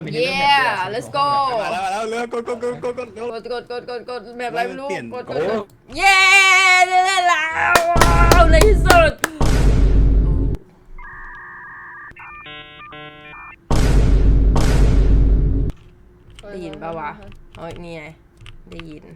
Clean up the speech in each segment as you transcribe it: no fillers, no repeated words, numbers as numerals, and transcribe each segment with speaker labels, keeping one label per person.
Speaker 1: Yeah let's go
Speaker 2: มาแล้วเร็วกดเร็ว
Speaker 1: กดแบบอะไรไม่รู้
Speaker 2: เปลี่ยน
Speaker 1: กดเย้ได้แล้วว้าวในที่สุดได้ยินป่าวะเอ้ยนี่ไงได้ยิน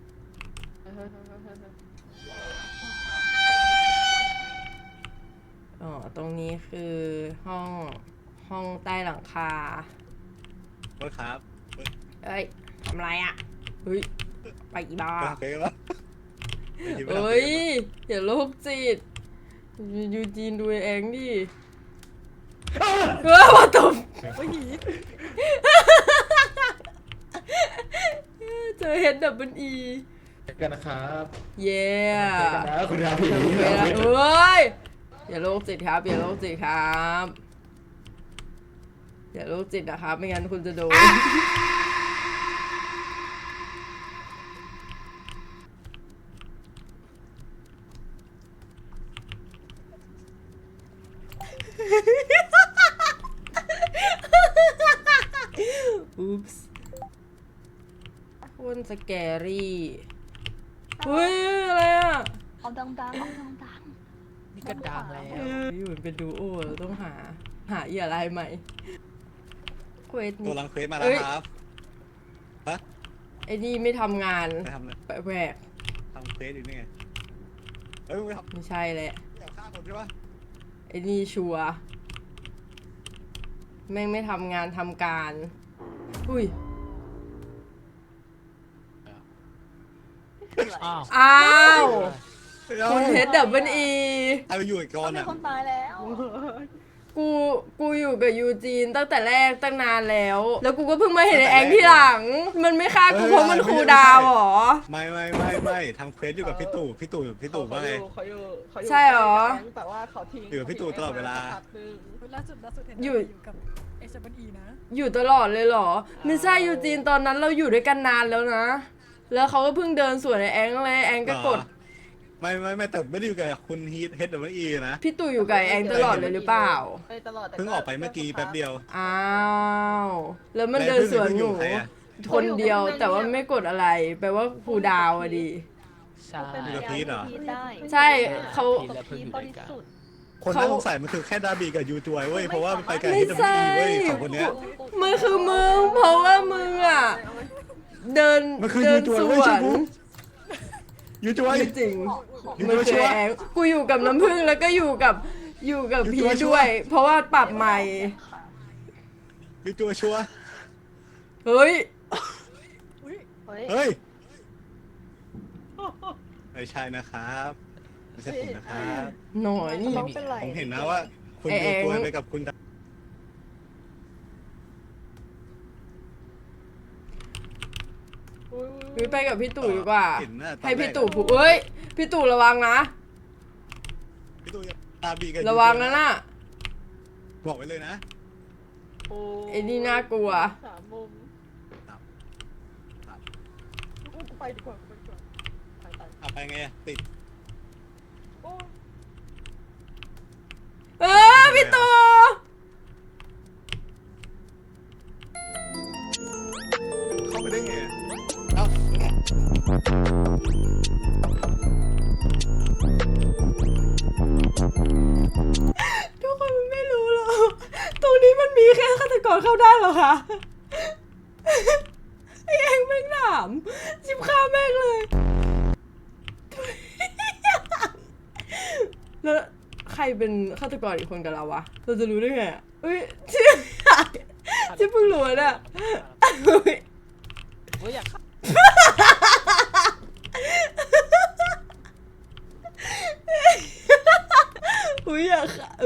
Speaker 1: อ๋อตรงนี้คือห้องใต้หลังคา
Speaker 2: โทษครับ
Speaker 1: เอ้ยทำไรอ่ะเฮ้ยไปอีบ้า
Speaker 2: เป๊ะแล้ว
Speaker 1: เอ้ยอย่าโรคจิตยูจีนดูเองดิว่าตบเจอเฮดดับเบิลอี
Speaker 3: กันนะครับ
Speaker 1: เย้
Speaker 3: คุณราพี
Speaker 1: เฮ้ยอย่าโรคจิตครับอย่าโรคจิตครับอย่าโรคจิตนะครับไม่งั้นคุณจะโดนอุ๊ปส์โคตรสแกรี่เฮ้ยอะไรอ่ะ
Speaker 4: เอาดังๆเอาดัง
Speaker 3: นี่ก็ดังแล้ว
Speaker 1: อยู่เป็นดูโอเราต้องหาเหยื่อรายใหม่เควส
Speaker 2: ตัว
Speaker 1: นี้
Speaker 2: รังเควสมาแล้วครับฮะ
Speaker 1: ไอ้นี่ไม่ทำงาน
Speaker 2: ไปทำเลย
Speaker 1: แปลก
Speaker 2: ทำเควสอยู่นี่ไงเฮ้ยมึงทำ
Speaker 1: ไม่ใช่แหละ
Speaker 2: อยากฆ่าคนใช่ปะ
Speaker 1: ไอ้นี่ชัวร์แม่งไม่ทำงานทำการอุ้ย
Speaker 3: อ้าว
Speaker 1: อ้าวคุณเฮดดับเบิลอี
Speaker 2: ใครไปอยู่อีกก่อน
Speaker 4: มี
Speaker 2: อ่ะ
Speaker 4: คนตายแล้ว
Speaker 1: กูอยู่กับยูจีนตั้งแต่แรกตั้งนานแล้ว แล้วกูก็เพิ่งมาเห็นไอ้แองที่หลัง มันไม่ฆ่ากูเพราะมันคูลดาวน์หรอ
Speaker 2: ไม่ทำเควสอยู่กับพี่ตู่ว่าไง
Speaker 5: เขาอยู่
Speaker 1: ใช่เหรอ
Speaker 5: แต่ว่าเขาทิ้ง
Speaker 2: อยู่กับพี่ตู่ตลอดเวลา
Speaker 5: พักนึง
Speaker 6: ล่าสุดเห็น
Speaker 1: อยู่
Speaker 6: กับเอชบันอีนะ
Speaker 1: อยู่ตลอดเลยเหรอ ไม่ใช่ยูจีนตอนนั้นเราอยู่ด้วยกันนานแล้วนะ แล้วเขาก็เพิ่งเดินสวนไอ้แองเลยแองก็กด
Speaker 2: ไม่แต่ไม่ได้อยู่กับคุณฮีทเฮดดับเบิลอีนะ
Speaker 1: พี่ตู่อยู่กับไอ้แองตลอดเลยหรือเปล่า
Speaker 5: ไปตลอดแต่
Speaker 2: เพิ่งออกไปเมื่อกี้แป๊บเดียว
Speaker 1: อ้าว แล้วมันเดินสวนหนู
Speaker 2: ใครอะ
Speaker 1: คนเดียวแต่ว่าไม่กดอะไร แปลว่าครูดาวอะดิ
Speaker 3: ใช่
Speaker 4: เป็น
Speaker 2: อยู่กับพีทเหรอ
Speaker 4: พีทได้
Speaker 1: ใช่เขา
Speaker 4: กับพีทบริสุทธิ์
Speaker 2: คนน่าสงสัยมันคือแค่ดาบีกับยูจวยเว้ยเพราะว่ามันไปกับ
Speaker 1: ไม่
Speaker 2: เฮดดับเบิ
Speaker 1: ใช่
Speaker 2: ลอีเว้ยสองคนเนี้ย
Speaker 1: มันคือมึง เพราะว่ามึงอ่ะ เดิน
Speaker 2: มันคือ
Speaker 1: เดิน
Speaker 2: ยูจ
Speaker 1: ส
Speaker 2: วยเว้ย
Speaker 1: วน
Speaker 2: ใช่ปุ๊บ ยูจวย
Speaker 1: ไม่จริง
Speaker 2: ยู
Speaker 1: มัน
Speaker 2: จวย
Speaker 1: คื
Speaker 2: ชั
Speaker 1: อ
Speaker 2: วร์
Speaker 1: แองกูอยู่กับน้ำผึ้งแล้วก็อยู่กับพี
Speaker 2: อยู่ชัวร์
Speaker 1: ด้วย เพราะว่าปรับใหม่
Speaker 2: ยูจวยชัวร์
Speaker 1: เฮ้ย
Speaker 4: เฮ้ย
Speaker 2: เฮ้ยไม่ใช่นะครับไม่ใช่ผมนะครับ
Speaker 1: หน่อยนี่
Speaker 4: น้องเป็นไร
Speaker 2: ผมเห็นนะว่าคุณ
Speaker 1: ไอ้
Speaker 2: ยู
Speaker 1: แอง
Speaker 2: จวยไปกับคุณดา
Speaker 1: ไปกับพี่ตู่ดีกว่า
Speaker 2: เห็นนะตอนแรก
Speaker 1: ให้พี่ตู่พูดเอ้ย พี่ตู่ระวังนะ
Speaker 2: พี่ตู่ดาบีกับยูจย
Speaker 1: ระวังนะน่ะ
Speaker 2: บอกไว้เลยนะ
Speaker 5: โอ้
Speaker 1: ไอ้นี่น่ากลัว
Speaker 5: สามมุม
Speaker 2: ครับ
Speaker 5: กูไปดีกว่าไป
Speaker 2: ไปไงอะติด
Speaker 5: โอ้
Speaker 1: พี่ตู่
Speaker 2: เข้าไปได้ไงอะเอ้า
Speaker 1: ทุกคนไม่รู้หรอกตรงนี้มันมีแค่ฆาตกรเข้าได้เหรอคะไอ้เองแม่งถามจิบข้าแม่งเลย แล้วใครเป็นฆาตกรอีกคนกับเราวะ เราจะรู้ได้ไงอ่ะเฮ้ยที่เพิ่งรู้น่ะเฮ้ย
Speaker 3: เฮ้ยอยาก
Speaker 1: อุ้ยอยากค่ะ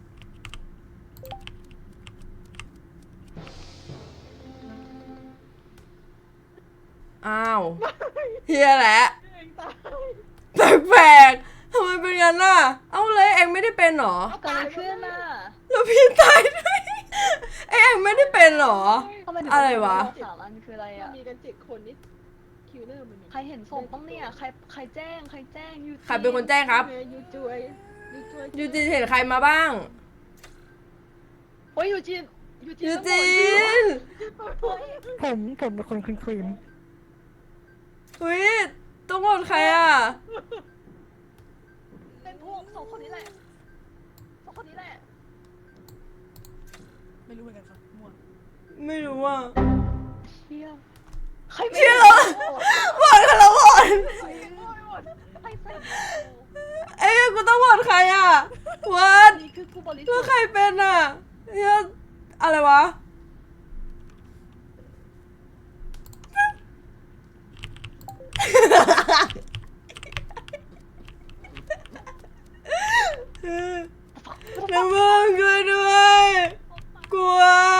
Speaker 1: อ้าวเฮียแหละ
Speaker 5: เองตาย
Speaker 1: แปลกๆทำไมเป็นงั้นน่ะ เอาเลยเองไม่ได้เป็นหรอ
Speaker 4: เกิดอะไรขึ้นน่ะ
Speaker 1: แล้วพี่ตายด้วยเองไม่ได้เป็นหรอ
Speaker 4: ทำไมถึง
Speaker 1: อะไรวะ
Speaker 4: สามอันคืออะไรอ่ะ
Speaker 5: มีกัน7 คนนี่คิวเลอร์มัน
Speaker 4: ใครเห็นศพบ้างเนี่ยใครแจ้งยู
Speaker 1: ใครเป็นคนแจ้งครับ
Speaker 5: ยูจวย
Speaker 1: ยูจีเห็นใครมาบ้าง
Speaker 4: โอ้ยยูจีน
Speaker 1: ยูจีน
Speaker 6: ผมเป็นคนคลีน
Speaker 1: อุ้ยต้องโหวตใครอ่ะ
Speaker 4: เป็นพวกสองคนนี้แหละสองคนนี้แหละ
Speaker 6: ไม่รู้เหมือนกันครับมั่ว
Speaker 1: ไม่รู้อ่ะ
Speaker 4: เชี่ยใคร
Speaker 1: เชี่ยเหรอ โหวตกันแล้วโหวต
Speaker 4: ใครหมดใครใส่
Speaker 1: เอ้ยกูต้องโหวตใครอ่ะวัด
Speaker 4: นี่คือกูบริสุ
Speaker 1: แล้
Speaker 4: ท
Speaker 1: ว
Speaker 4: ธิ์
Speaker 1: ใครเป็นอ่ะเฮ้ยอะไรวะ น้ำมันช่วยด้วย กลัว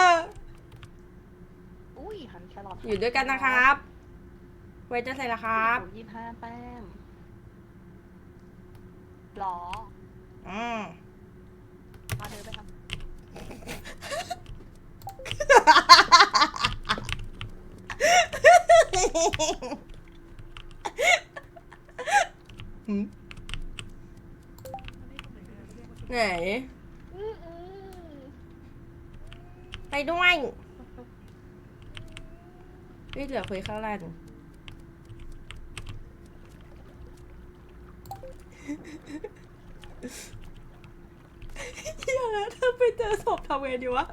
Speaker 4: อุ้ยหันแครอท
Speaker 1: อยู่ด้วยกันนะครับ ไว้จะใส่ละครับ
Speaker 4: 25 แต้มหรอ มาเดินไปทำ
Speaker 1: ไหน ไปด้วยเฮ้ยเหลือคุยข้างล่างเฮียแล้วถ้าไปเจอศพทำไงดีวะ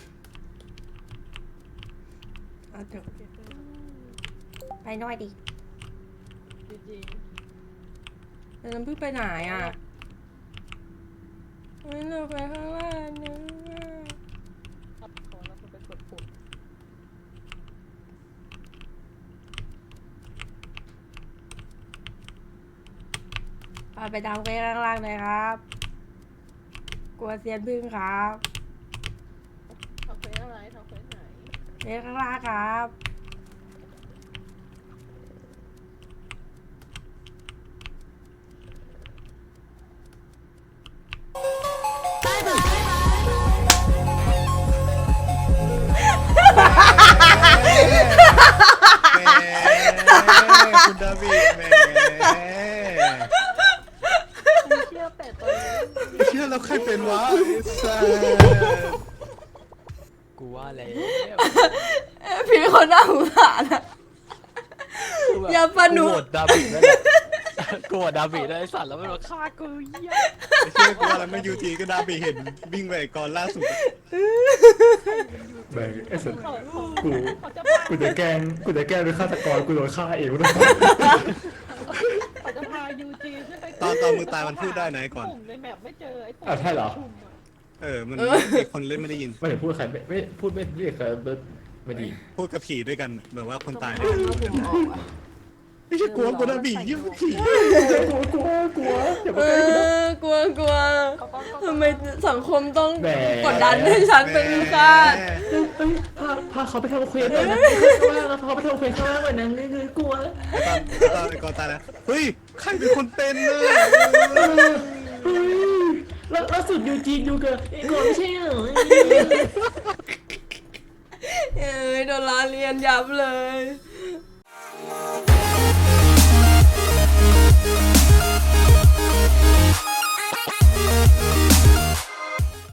Speaker 1: เอาเถอะไปด้วยดิ
Speaker 5: จริง
Speaker 1: แล้วน้ำพึ่งไปไหนอ่ะไม่เหลือไปข้างล่างนะ
Speaker 5: ๆขับขอแล้วมันเป็นกดปุ่ม
Speaker 1: ไปดาวไปข้างล่างเลยครับ กลัวเซียนพึ่งครับ
Speaker 5: ทำเฟซอะไรทำเฟซไหน
Speaker 1: ไปข้างล่างครับ
Speaker 2: แหมคุณดาวิดแหม
Speaker 4: เชี่ยเป็ดตัวนี้
Speaker 2: เชื่อแล้วใครเป็นวะไอ้สัส
Speaker 3: กูว่าแล้ว
Speaker 1: พี่คนน่าสงสารอะ อย่าปะหนุ
Speaker 3: กูโหวตดาบิดนั่นแหละกูโหวตดาบิดได้ไอ้สัตว์แล้วมันมาฆ่ากูเหี้ย
Speaker 2: ไม่เชื่อกูว่าแล้วไม่ยูทีก็ดาวิดเห็นวิ่งไปก่อนล่าสุดอะ
Speaker 7: แบงไอ้สัส
Speaker 5: เขา
Speaker 7: กู
Speaker 5: เขาจะ
Speaker 7: กูจะแกล้งเป็นฆาตกรกูโดนฆ่าเองด้วย
Speaker 5: เขาจะพายูจีขึ้นไป
Speaker 2: ตอนมือตายมันพูดได้นะไอ้ก่อน
Speaker 5: ปุ่มในแมปไม่เจอไอ้ปุ่ม
Speaker 7: อ่ะใช่เหรอ
Speaker 5: ปุ่มอะ
Speaker 2: มันมีคนเล่นไม่ได้ยิน
Speaker 7: ไม่เห็นพูดใครไม่พูดไม่เรียกใครไม่ดี
Speaker 2: พูดกับผีด้วยกันแบบว่าคนตาย
Speaker 1: เอาผมออกอะ
Speaker 2: ไม่ใช่กลัวกูดาวิดยิ่งผี
Speaker 7: กลัวอย่า
Speaker 1: เอ
Speaker 7: มาใกล้กูนะ
Speaker 1: อกลัว
Speaker 4: เขาก็
Speaker 1: ทำไมสังคมต้อง
Speaker 7: แหม
Speaker 1: กดดันให้ฉันเป็นฆาต
Speaker 7: เฮ้ยพาเขาไปทำเควสเลยนะข้างล่างนะพาเขาไปทำเควสข้างล่างเลยนะเลยกลัว
Speaker 2: ตอนไอ้ก่อนตายแล้วเฮ้ยใครเป็นคนเป็นน่ะ
Speaker 7: เฮ้ยล่าสุดยูจีนอยู่กับไอ้ก่อนไม่ใช่เหรอ
Speaker 1: เอ้ยโดนล้อเลียนยับเลย
Speaker 7: เ